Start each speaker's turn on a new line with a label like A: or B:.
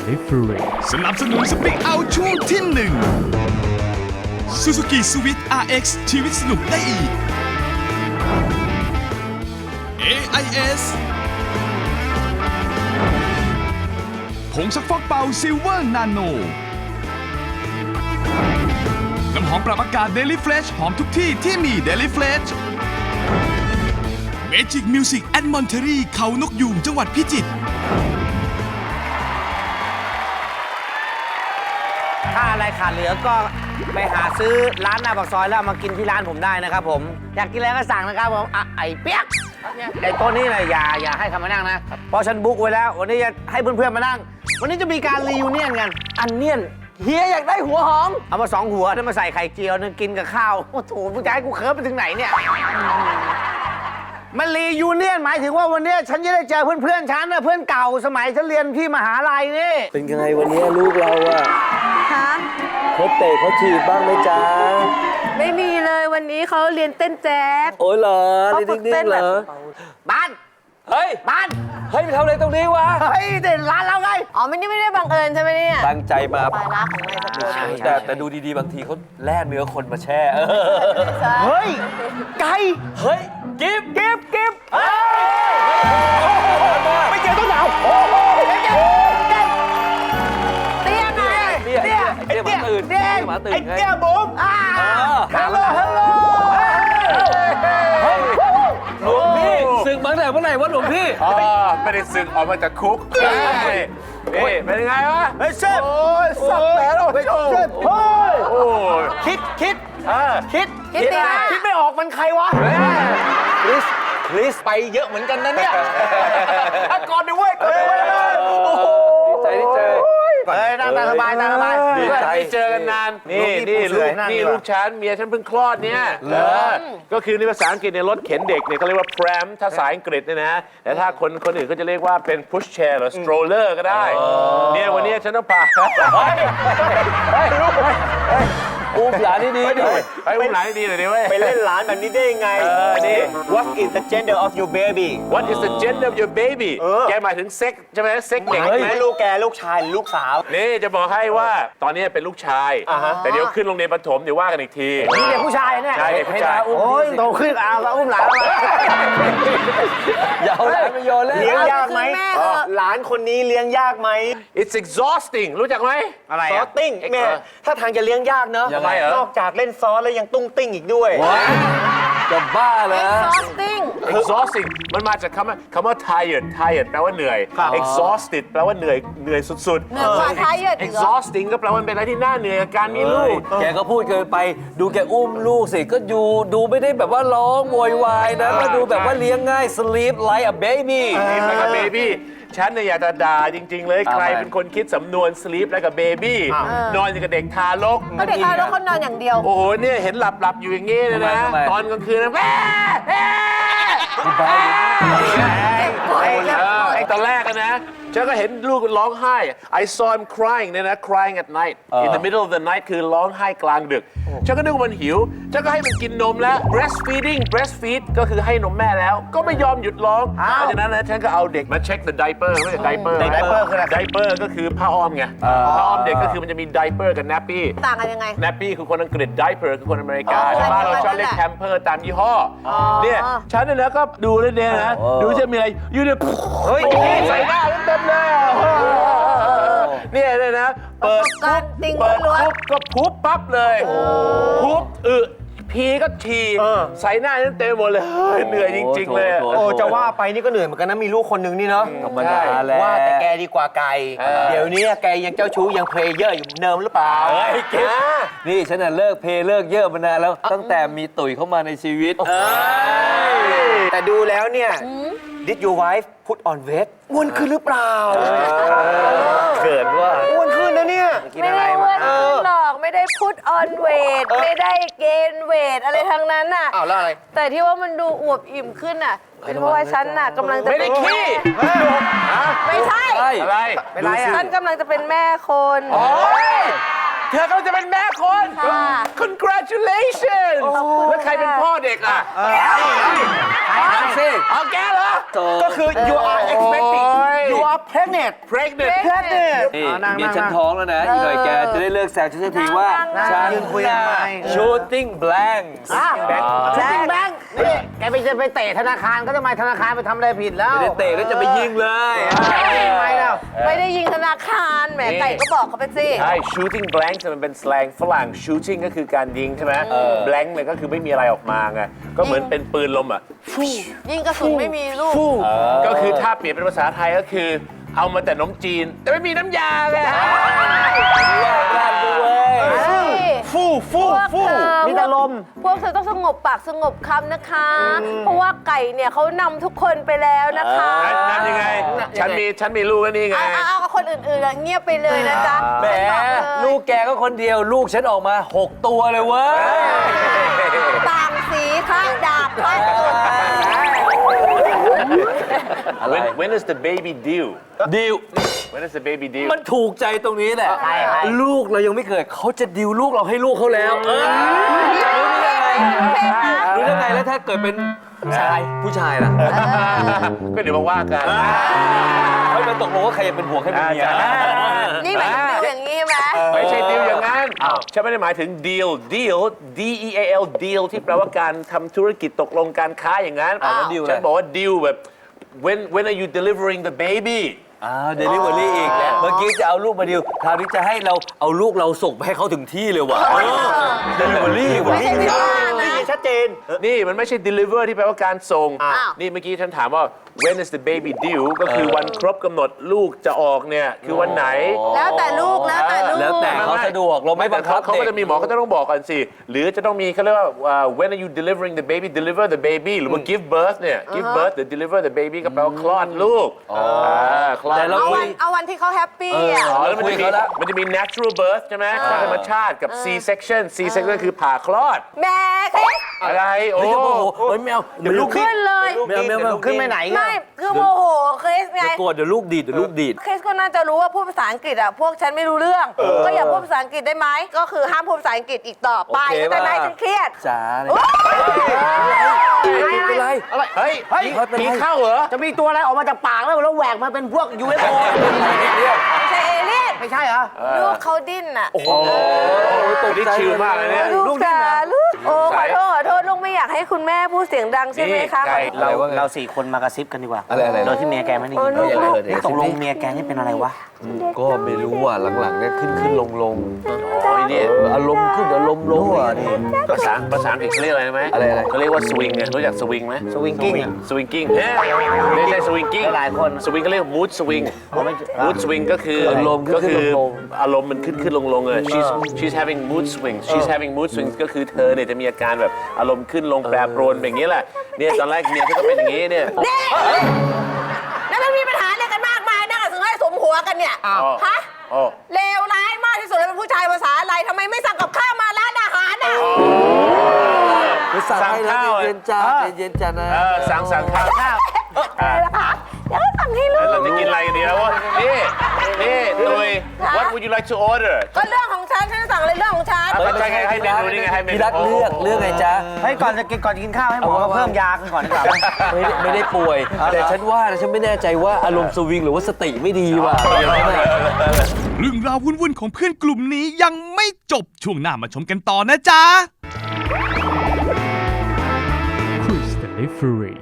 A: Delivery
B: สนับสนุนสปีกเอาช่วงที่1 Suzuki Swift RX ชีวิตสนุกได้อีก AIS ผงซักฟอกเป่าซิลเวอร์นาโนน้ำหอมปรับอากาศ Daily Fresh หอมทุกที่ที่มี Daily Fresh Magic Music at Monterey เขานกยูงจังหวัดพิจิตร
C: ถ้าอะไรขาดเหลือก็ไปหาซื้อร้านหน้าปากซอยแล้วเอามากินที่ร้านผมได้นะครับผมอยากกินอะไรก็สั่งนะครับผมไอ้เปี๊ยกไอ้โต๊ะนี้เลยอย่าให้เขามานั่งนะเพราะฉันบุ๊กไว้แล้ววันนี้จะให้เพื่อนๆมานั่งวันนี้จะมีการรียูเนียนกันอันเนียนเฮียอยากได้หัวหอมเอามา2 หัวแล้วมาใส่ไข่เจียวนึงกินกับข้าวโอ้โหผู้ชายกูเคิร์ฟไปถึงไหนเนี่ยมันรียูเนียนหมายถึงว่าวันนี้ฉันจะได้เจอเพื่อนๆฉันนะเพื่อนเก่าสมัยฉันเรียนที่มหาลัยนี่
D: เป็นไงวันนี้ลูกเราอะ
E: คะ
D: เขาเตะเขาถีบบ้างไหมจ๊ะ
E: ไม่มีเลยวันนี้เขาเรียนเต้นแจ๊ส
D: โอ้ยเหรอ
E: เขา
D: นี่
E: ฝึกเต้
D: นิ่
E: น
D: งๆเห
E: แบ
D: ร
E: บ
D: อ
C: บ้าน
D: เฮ้ย
C: บ้าน
D: เฮ้ยไปทำอะไรตรงนี้วะ
C: เฮ้ยเด็ดร้านเราไง
E: อ๋อไม่ได้บังเอิญใช่ไหมเนี่ย
D: ตั้งใจมา
E: ปลายรักของนายสกุล
D: แต่ดูดีๆบางทีเขาแล่เนื้อคนมาแช่
C: เฮ้ยไก่
D: เฮ้ยกิฟ
C: เก็บ
D: ไม่เจอต้นหนาว
E: เตี้ยไง
D: เตี้ยหมาตื่น
C: เตี้ย
D: หมาตื่น
C: ไอ้เตี้ยบุ๋มฮัลโหล
D: หลวงพี่ศึกมาตั้งแต่เมื่อไหร่วะหลวงพี่
F: ไม่ได้สึกออกมาจากคุกนี่เป็นยังไงวะ
C: เฮ้ยเชฟโอ้ยสับแผลแล้วเชฟเฮ้ย
F: โอ้ย
C: คิด
E: คิดตีหน้า
C: คิดไม่ออกมันใครวะคริสไปเยอะเหมือนกันนะเนี่ยก่อนดิเว้ยก่อนดิเว้ยโอ้โห
D: ดีใจที่เจอ
C: เฮ้ยนั่งสบายนั่งสบาย
F: ดีใจที่เจอกันนาน นี่ลูกฉันเมียฉันเพิ่งคลอดเนี่ยก็คือในภาษาอังกฤษในรถเข็นเด็กเนี่ยเขาเรียกว่า pram ถ้าภาษาอังกฤษเนี่ยนะ แต่ถ้าคนอื่นก็จะเรียกว่าเป็น push chair หรือ stroller ก็ได้ เนี่ยวันนี้ฉันต้องพา
D: อุ้มหลานดีๆดิ
F: ไปอุ้มหลานดีหน่อยดิเว้ย
C: ไปเล่นร้านแบบนี้ได้ยังไง
F: นี่
C: What is the gender of your baby
F: What is the gender of your baby แกหมายถึงเซ็กใช่ไหมเซ็กเด็ก
C: หมาย
F: ไหม
C: ถึงลูกแกลูกชายหรือลูกสาว
F: นี่จะบอกให้ว่าตอนนี้เป็นลูกชาย แต่เดี๋ยวขึ้นโรงเรียนประถมเดี๋ยวว่ากันอีกที
C: นี่เด็กผู้ชายเนี่ย
F: ใช่เด็กผู้ชาย
C: โอ้ยโตขึ้นแล้วอุ้มหลานมา
D: อย่าเอาหลานไปโยนเลย
C: เลี้ยงยากไหม
E: คือแม่เถอะ
C: หลานคนนี้เลี้ยงยากไหม
F: It's exhausting รู้จักไหม
C: อะไรซอสติ้งแม่ถ้าทางจะเลี้ยงยากเนอะ
F: ยังไงเหรอ
C: นอกจากเล่นซอสแล้วยังตุ้งติ้งอีกด้วย
D: จะบ้าเหรอ
E: exhausting
F: exhausting มันมาจากคำว่า tired แปลว่าเหนื่อย exhausted แปลว่าเหนื่อยสุด
E: เหนื่อยกว่า tired อีกเหรอ
F: exhausting ก็แปลว่าเป็นอะไรที่น่าเหนื่อยกับการมีลูก
D: แกก็พูดเกินไปดูแกอุ้มลูกสิก็ดูไม่ได้แบบว่าร้องโวยวายนะก็ดูแบบว่าเลี้ยงง่าย sleep like a baby
F: นี่มันกับเบบี้ฉันเนี่ยอยากจะด่าจริง ๆ เลยใครเป็นคนคิดสำนวน sleep แล้วกับเบบี้นอนอย่างกับเด็กทารก
E: ก็เด็กทารกเขานอนอย่างเดียว
F: โอ้โหเนี่ยเห็นหลับอยู่อย่างงี้เลยนะ
D: ทำไม
F: ตอนกลางคืนนะแม่ไอ้ตอนแรกนะฉันก็เห็นลูกร้องไห้ I saw him crying เนี่ยนะ crying at night in the middle of the night คือร้องไห้กลางดึกฉันก็นึกว่ามันหิวฉันก็ให้มันกินนมแล้ว breastfeed ก็คือให้นมแม่แล้วก็ไม่ยอมหยุดร้องเพราะฉะนั้นนะฉันก็เอาเด็กมาเช็ค the diaper ไม่ใช่ diaper
C: diaper คืออะไร
F: diaper ก็คือผ้าอ้อมไงผ้าอ้อมเด็กก็คือมันจะมี diaper กับ nappy
E: ต่างกันยังไง
F: nappy คือคนอังกฤษ diaper คือคนอเมริกา
E: อ๋อ
F: แต่บ้านเราชอบเรียก
E: นั่นแหละ
F: pamper ตามยี่ห้อเนี่ยฉันเนี่ยนะก็ดูเลยเนี่ยนะดูจะมีอะไรอยู่เนี่ยเฮ้ยใส่หน้าเต็มเลยเนี่ยนะเปิด
E: ประสบการณ์จริง
F: เปิด
E: ล้วน
F: ปุ๊บก็พุบปั๊บเลยพุบพีก็ฉี่ใส่หน้าเต็มหมดเลยเหนื่อยจริงๆเลย
C: โอ้จะว่าไปนี่ก็เหนื่อยเหมือนกันนะมีลูกคนหนึ่งนี่เนาะ
D: ธรรมดาแหละ
C: ว่าแต่แกดีกว่าไก่เดี๋ยวนี้แกยังเจ้าชู้ยังเพลเยอร์อยู่เดิมหรือเปล่า
D: เฮ้ยเก็บนี่ฉันน่ะเลิกเพลเลิกเยอะมานานแล้วตั้งแต่มีตุ๋ยเข้ามาในชีวิต
C: แต่ดูแล้วเนี่ย Did your wife put on weight อ้วนขึ้นหรือเปล่า
D: เกิดว่า
C: อ้วนขึ้นนะเนี่ย
E: ไม่ได้อ้วนขึ้นหรอกไม่ได้ put on weight ไม่ได้ gain weight อะไรทั้งนั้นน่ะ
C: อ้าวแล้วอะไร
E: แต่ที่ว่ามันดูอวบอิ่มขึ้นน่ะเป็นเพราะว่าฉันน่ะกำลังจะ
F: ไม่ได้ขี้
E: ไม่ใช่
F: อะไร
C: เป็นไรอ่ะ
E: ฉันกำลังจะเป็นแม่คน
F: เธอก็จะเป็นแม่คน
E: ค่ะ
F: Congratulations แล้วใครเป็นพ่อเด็กอ่ะ
D: ถามสิ
F: เอาแกเหรอ
C: ก็คือ you are expecting you are pregnant
F: pregnant
D: นี่เมียฉันท้องแล้วนะ อีกหน่อยแกจะได้เลิกแซวฉันสักทีว่า ฉัน
C: ยืนคุยทำไม
D: shooting blank
C: แบงค์นี่แกไปเตะธนาคารก็ทำไมธนาคารไปทำอะไรผิดแล้ว
D: ไม่ได้เตะแล้วจะไปยิงเลย
C: ทำไมแล้ว
E: ไม่ได้ยิงธนาคารแหมไก่ก็บอกเขาไปสิ
F: ใช่ shooting blank มันเป็น slang ฝรั่ง shooting ก็คือการยิงใช่ไหม blank เนี่ยก็คือไม่มีอะไรออกมาไง ก็เหมือนเป็นปืนลมอ่ะ
E: ยิงกระสุนไม่มีลูก
F: ก็คือถ้าเปลี่ยนเป็นภาษาไทยก็คือ เอามาแต่นมจีน แต่ไม่มีน้ำยาเลย
E: ฟูฟู
C: มีแต่ลม
E: พวกเธอต้องสงบปากสงบคำนะคะ เพราะว่าไก่เนี่ยเขานำทุกคนไปแล้วนะคะ
F: นั่นยังไง ฉันมีลูกแล้วนี่ไง
E: เอาคนอื่นๆเงียบไปเลยนะจ๊ะ
D: แหมลูกแกก็คนเดียวลูกฉันออกมา 6 ตัวเลยเว้ย
E: ต่างสีค่ะดาบค่ะ
F: When is the baby due
D: ดิว
F: When is the baby due
D: มันถูกใจตรงนี้แหละ ลูกเรายังไม่เกิดเขาจะดิวลูกเราให้ลูกเขาแล้วรู้ได้ไงแล้วถ้าเกิดเป็นผู้ชายล่ะ
F: ก็เดี๋ยวมาว่ากัน
D: เขาจะตกลงว่าใครจะเป็นผัวใครเป็นเมีย
E: นี่หมายถึงดิวอย่างนี้ใช่ไหม
F: ไม่ใช่ดีลอย่างนั้นฉันไม่ได้หมายถึง deal D E A L deal ที่แปลว่าการทำธุรกิจตกลงการค้าอย่างนั้น ฉันบอกว่า deal แบบ when are you delivering the baby
D: เดลิเวอรี่อีกเมื่อกี้จะเอาลูกมาดิวคราวนี้จะให้เราเอาลูกเราส่งไปให้เขาถึงที่เลยว่ะเดลิเวอรี่ว่ะ
E: ไม่ใช่ที่บ้านนะ
C: ชัดเจน
F: นี่มันไม่ใช่ deliver ที่แปลว่าการส่ง
E: อ้าว
F: นี่เมื่อกี้ฉันถามว่า when is the baby due ก็คือวันครบกำหนดลูกจะออกเนี่ยคือวันไหน
E: แล้วแต่ลูกแล้วแต่ลูก
D: แล้วแต่เขาสะดวกเราไม่บังคับ
F: เขา
D: เด็
F: ก็
D: ก
F: จะมีหมอเขาจะต้องบอกกันสิ หรือจะต้องมีเขาเรียกว่าwhen are you delivering the baby deliver the baby หรือว่า give birth เนี่ย give birth หรือ deliver the baby ก็แปลว่าคลอดลูกคลอด
D: แต่เรา
F: ลูก
E: เอาวันที่เขาแฮปปี้อ่ะ
F: แล้วมันจะมี natural birth ใช่ไหมธรรมชาติกับ C section C section คือผ่าคลอด
E: แม่คริส
F: อะไรโอ้
D: ไม่จะโมโหเฮ้ยไม่เอาเดี๋ยวลูก
E: ขึ้นเลย
D: ไม่เอา
C: ขึ้นไปไหน
E: ไม่คือโมโหคริสไง
D: จะโกรธเดี๋ยวลูกดีดเดี๋ยวลูกดีด
E: คริสก็น่าจะรู้ว่าพูดภาษาอังกฤษอ่ะพวกฉันไม่รู้เรื่อง ก็อย่าพูดภาษาอังกฤษได้ไหมก็คือห้ามพูดภาษาอังกฤษอีกต่อไป
D: โอเค
E: แต่ไหน
D: ป่ะ
E: ฉันเครียด
D: จ๋าเลย
E: โอ๊ย
D: เป็นไร
F: เฮ้ยผีเข้าเหรอ
C: จะมีตัวอะไรออกมาจากปากแล้วแหวกมาเป็นพวก UFO
E: ไม่ใช่เอเลี่ยน
C: ไม่ใช่เหรอ
E: ลูกเขาดิ้นอ่ะ
F: ตกนี่ชิลมากเลยเนี่ย
E: ลูกจ๋าลูกโอ้ขอโทษลูกไม่อยากให้คุณแม่พูดเสียงดังใช่ไหมคะ
F: นี่ไก่
C: เรา4 คนมากระซิบกันดีกว่า
D: อะไร
C: โดยที่เมียแกไม่ได้ยิน
E: โอ้ลูก
C: นี่ตกลงเมียแกนี่เป็นอะไรวะ
D: ก็ไม่รู้อ่ะหลังๆเนี่ยขึ้นลง
F: โอ้ยนี่
D: อารมณ์ขึ้นอารมณ์ลงอ่ะนี่
F: ภาษาอังกฤษเขาเรียกอะไรไหม
D: อะไร
F: เขาเรียกว่าสวิงไงรู้จักสวิงไหม
C: สวิงกิ้ง
F: สวิงกิ้งไม่ใช่สวิงกิ้ง
C: หลายคน
F: สวิงก็เรียกมูดสวิงมูดสวิงก็คือก็คืออารมณ์มันขึ้นลงเลย she's having mood swings she's having mood swings ก็คือเธอเนี่ยจะมีอาการแบบอารมณ์ขึ้นลงแปรปรวนแบบนี้แหละเนี่ยตอนแรกเมียเขาก็เป็นอย่างนี้เนี่ย
E: แล้วมันมีปัญหาอะไรกันมากมายนั่งถึงให้สมหัวกันเนี่ยฮะเลวร้ายมากที่สุดเลยเป็นผู้ชายภาษาอะไรทำไมไม่สั่งกับข้าวมาร้านอาหารอ่ะ
D: ไปสั่งให้นะเย็นจ้าเย็นจ้านะ
F: สั่งข้าว
E: อะไรล่ะคะเดี๋ยวก็สั่งให้ลูก
F: เราจะกินอะไรกันดีแล้ววะนี่ตุย what would you like to order
E: ก็เรื่องของฉันสั่งอะไรเรื่องของฉัน
F: ใช่ไงให้เมนูนี่ไงให้เมนู
D: พี่รักเลือกไงจ๊ะ
C: เฮ้ยก่อนจะกินข้าวให้หมอมาเพิ่มยากันก่อนดีกว่า
D: ไม่ได้ป่วย แต่ฉันว่านะฉันไม่แน่ใจว่าอารมณ์สวิงหรือว่าสติไม่ดีว่ะ
B: เรื่องราววุ่นๆของเพื่อนกลุ่มนี้ยังไม่จบช่วงหน้ามาชมกันต่อนะจ๊ะ Cruise Delivery